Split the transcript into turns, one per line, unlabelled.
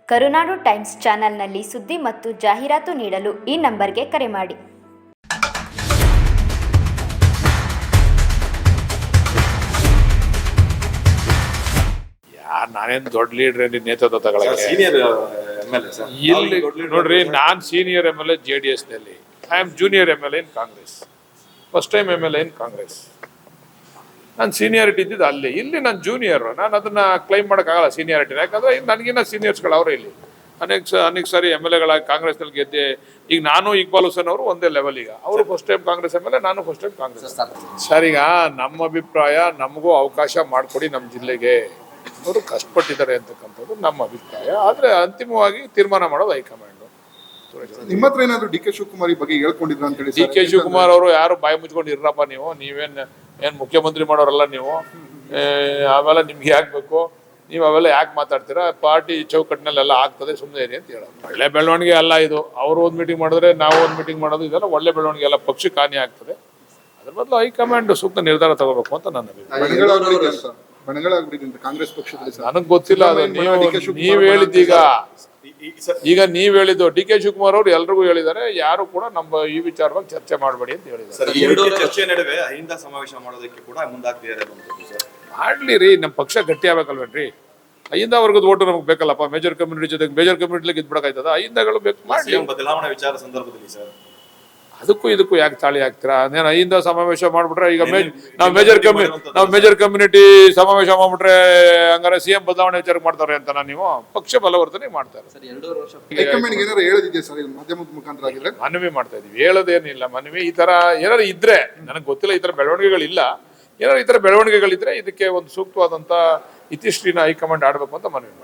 ಕರುನಾಡು times ಚಾನೆಲ್ನಲ್ಲಿ ಸುದ್ದಿ ಮತ್ತು ಜಾಹೀರಾತು ನೀಡಲು ಈ ನಂಬರ್ಗೆ ಕರೆ ಮಾಡಿ.
ನಾನೇನು ದೊಡ್ಡ ಲೀಡರ್ ನೇತೃತ್ವ ತಗೊಳ್ಳೋಕೆ
ಸೀನಿಯರ್ MLA ಸರ್.
ಇಲ್ಲಿ ನೋಡ್ರಿ, ನಾನು ಸೀನಿಯರ್ MLA JDS ನಲ್ಲಿ. I am junior MLA in Congress. First time MLA in Congress. ನಾನು ಸೀನಿಯಾರಿಟಿ ಇದ್ದಿದ್ದು ಅಲ್ಲಿ. ಇಲ್ಲಿ ನಾನು ಜೂನಿಯರ್. ನಾನು ಅದನ್ನ ಕ್ಲೈಮ್ ಮಾಡೋಕ್ಕಾಗಲ್ಲ ಸೀನಿಯಾರಿಟಿನ. ಯಾಕಂದ್ರೆ ನನಗಿನ್ನ ಸೀನಿಯರ್ಸ್ಗಳು ಅವರೇ ಇಲ್ಲಿ ಅನೇಕ ಸಾರಿ MLA ಕಾಂಗ್ರೆಸ್ನಲ್ಲಿ ಗೆದ್ದೆ. ಈಗ ನಾನು ಇಕ್ಬಾಲ್ ಹುಸೇನ್ ಅವರು ಒಂದೇ ಲೆವೆಲ್. ಈಗ ಅವರು ಫಸ್ಟ್ ಟೈಮ್ ಕಾಂಗ್ರೆಸ್ MLA, ನಾನು ಫಸ್ಟ್ ಟೈಮ್ ಕಾಂಗ್ರೆಸ್. ಸರ್, ಈಗ ನಮ್ಮ ಅಭಿಪ್ರಾಯ, ನಮಗೂ ಅವಕಾಶ ಮಾಡಿಕೊಡಿ. ನಮ್ಮ ಜಿಲ್ಲೆಗೆ ಅವರು ಕಷ್ಟಪಟ್ಟಿದ್ದಾರೆ ಅಂತಕ್ಕಂಥದ್ದು ನಮ್ಮ ಅಭಿಪ್ರಾಯ. ಆದ್ರೆ ಅಂತಿಮವಾಗಿ ತೀರ್ಮಾನ ಮಾಡೋದು ಹೈಕಮಾಂಡ್.
ನಿಮ್ಮ ಹತ್ರ ಏನಾದ್ರು DK ಶಿವಕುಮಾರ್ ಈ ಬಗ್ಗೆ ಹೇಳ್ಕೊಂಡಿದ್ರ ಅಂತ ಹೇಳಿ?
DK ಶಿವಕುಮಾರ್ ಅವರು ಯಾರು ಬಾಯಿ ಮುಚ್ಕೊಂಡು ಇರ್ರಪ್ಪ, ನೀವೇನ್ ಮುಖ್ಯಮಂತ್ರಿ ಮಾಡೋರಲ್ಲ ನೀವು. ಅವೆಲ್ಲ ನಿಮ್ಗೆ ಆಗ್ಬೇಕು, ನೀವು ಅವೆಲ್ಲ ಯಾಕೆ ಮಾತಾಡ್ತೀರಾ? ಪಾರ್ಟಿ ಚೌಕಟ್ಟಿನಲ್ಲೆಲ್ಲ ಆಗ್ತದೆ, ಸುಮ್ಮನೆ ಇರಿ ಅಂತ ಹೇಳೋದು ಒಳ್ಳೆ ಬೆಳವಣಿಗೆ ಅಲ್ಲ ಇದು. ಅವರು ಒಂದು ಮೀಟಿಂಗ್ ಮಾಡಿದ್ರೆ ನಾವು ಒಂದು ಮೀಟಿಂಗ್ ಮಾಡೋದು, ಇದೆಲ್ಲ ಒಳ್ಳೆ ಬೆಳವಣಿಗೆ ಅಲ್ಲ. ಪಕ್ಷಕ್ಕೆ ಹಾನಿ ಆಗ್ತದೆ. ಅದ್ರ ಬದಲು ಹೈಕಮಾಂಡ್ ಸೂಕ್ತ ನಿರ್ಧಾರ ತಗೋಬೇಕು ಅಂತ ನನ್ನ ಅಭಿಪ್ರಾಯ.
ಕಾಂಗ್ರೆಸ್ ಪಕ್ಷದಲ್ಲಿ
ನನಗ್ ಗೊತ್ತಿಲ್ಲ. ಅದು ನೀವ್ ಹೇಳಿದ್ದೀಗ, ಈಗ ನೀವ್ ಹೇಳಿದ್ದು DK ಶಿವಕುಮಾರ್ ಅವರು ಎಲ್ರಿಗೂ ಹೇಳಿದ್ದಾರೆ. ಯಾರು ಕೂಡ ನಮ್ಮ ಈ ವಿಚಾರವಾಗಿ ಚರ್ಚೆ ಮಾಡಬೇಡಿ ಅಂತ ಹೇಳಿದ್ದಾರೆ.
ಚರ್ಚೆ ನಡುವೆ ಅಹಿಂದ ಸಮಾವೇಶ ಮಾಡೋದಕ್ಕೆ ಕೂಡ ಮುಂದಾಗ್ತಿದ್ದಾರೆ.
ಮಾಡ್ಲಿ ರೀ, ನಮ್ಮ ಪಕ್ಷ ಗಟ್ಟಿ ಆಗ್ಬೇಕಲ್ವೇನ್ರಿ? ಅಹಿಂದ ವರ್ಗದ ಓಟು ನಮ್ಗೆ ಬೇಕಲ್ಲಪ್ಪ. ಮೇಜರ್ ಕಮ್ಯುನಿಟಿ ಜೊತೆಗೆ ಮೇಜರ್ ಕಮ್ಯುನಿಟಿಗೆ ಇದ್ಬಿಡಕಾಯ್ತದ? ಅಹಿಂದಗಳು ಬೇಕು. ಮಾಡಿ
ಬದಲಾವಣೆ ವಿಚಾರ ಸಂದರ್ಭದಲ್ಲಿ ಸರ್
ಅದಕ್ಕೂ ಇದಕ್ಕೂ ಯಾಕೆ ತಾಳಿ ಹಾಕ್ತೀರಾ? ನೇನು ಅಹಿಂದ ಸಮಾವೇಶ ಮಾಡ್ಬಿಟ್ರೆ, ಈಗ ನಾವು ಮೇಜರ್ ಕಮ್ಯುನಿಟಿ ಸಮಾವೇಶ ಮಾಡ್ಬಿಟ್ರೆ ಹಂಗಾರೆ CM ಬದಲಾವಣೆ ವಿಚಾರ ಮಾಡ್ತಾರೆ ಅಂತ ನೀವು ಪಕ್ಷ ಬಲವರ್ತನೆ ಮಾಡ್ತಾರೆ. ಮನವಿ ಮಾಡ್ತಾ ಇದೀವಿ. ಹೇಳೋದೇನಿಲ್ಲ, ಮನವಿ. ಈ ತರ ಏನಾರು ಇದ್ರೆ, ನನಗೆ ಗೊತ್ತಿಲ್ಲ, ಈ ತರ ಬೆಳವಣಿಗೆಗಳಿಲ್ಲ. ಏನಾದ್ರು ಈ ತರ ಬೆಳವಣಿಗೆಗಳಿದ್ರೆ ಇದಕ್ಕೆ ಒಂದು ಸೂಕ್ತವಾದಂತ ಇತಿಶ್ರೀನ ಹೈಕಮಾಂಡ್ ಆಡ್ಬೇಕು ಅಂತ ಮನವಿ ಮಾಡಿ.